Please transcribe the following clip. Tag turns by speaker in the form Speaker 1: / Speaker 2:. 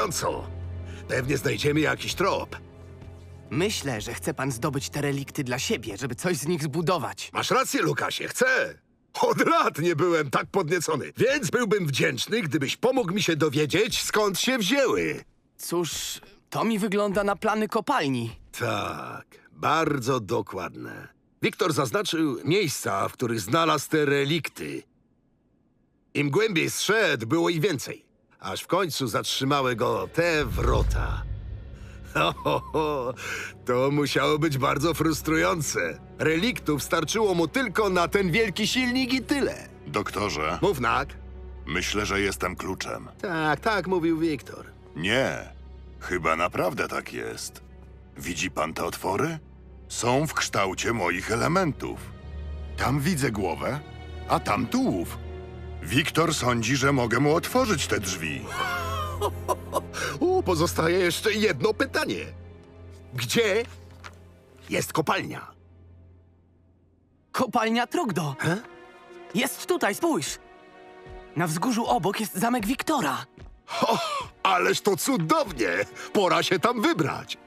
Speaker 1: Fascynująco. Pewnie znajdziemy jakiś trop.
Speaker 2: Myślę, że chce pan zdobyć te relikty dla siebie, żeby coś z nich zbudować.
Speaker 1: Masz rację, Lukasie, chcę. Od lat nie byłem tak podniecony, więc byłbym wdzięczny, gdybyś pomógł mi się dowiedzieć, skąd się wzięły.
Speaker 2: Cóż, to mi wygląda na plany kopalni.
Speaker 1: Tak, bardzo dokładne. Wiktor zaznaczył miejsca, w których znalazł te relikty. Im głębiej zszedł, było ich więcej. Aż w końcu zatrzymały go te wrota. To musiało być bardzo frustrujące. Reliktów starczyło mu tylko na ten wielki silnik i tyle.
Speaker 3: Doktorze,
Speaker 1: Mów, Nak.
Speaker 3: myślę, że jestem kluczem.
Speaker 1: Tak, mówił Wiktor.
Speaker 3: Nie, chyba naprawdę tak jest. Widzi pan te otwory? Są w kształcie moich elementów. Tam widzę głowę, a tam tułów. Wiktor sądzi, że mogę mu otworzyć te drzwi.
Speaker 1: Pozostaje jeszcze jedno pytanie. Gdzie jest kopalnia?
Speaker 2: Kopalnia Trogdo.
Speaker 1: He?
Speaker 2: Jest tutaj, spójrz. Na wzgórzu obok jest zamek Wiktora.
Speaker 1: Ależ to cudownie! Pora się tam wybrać.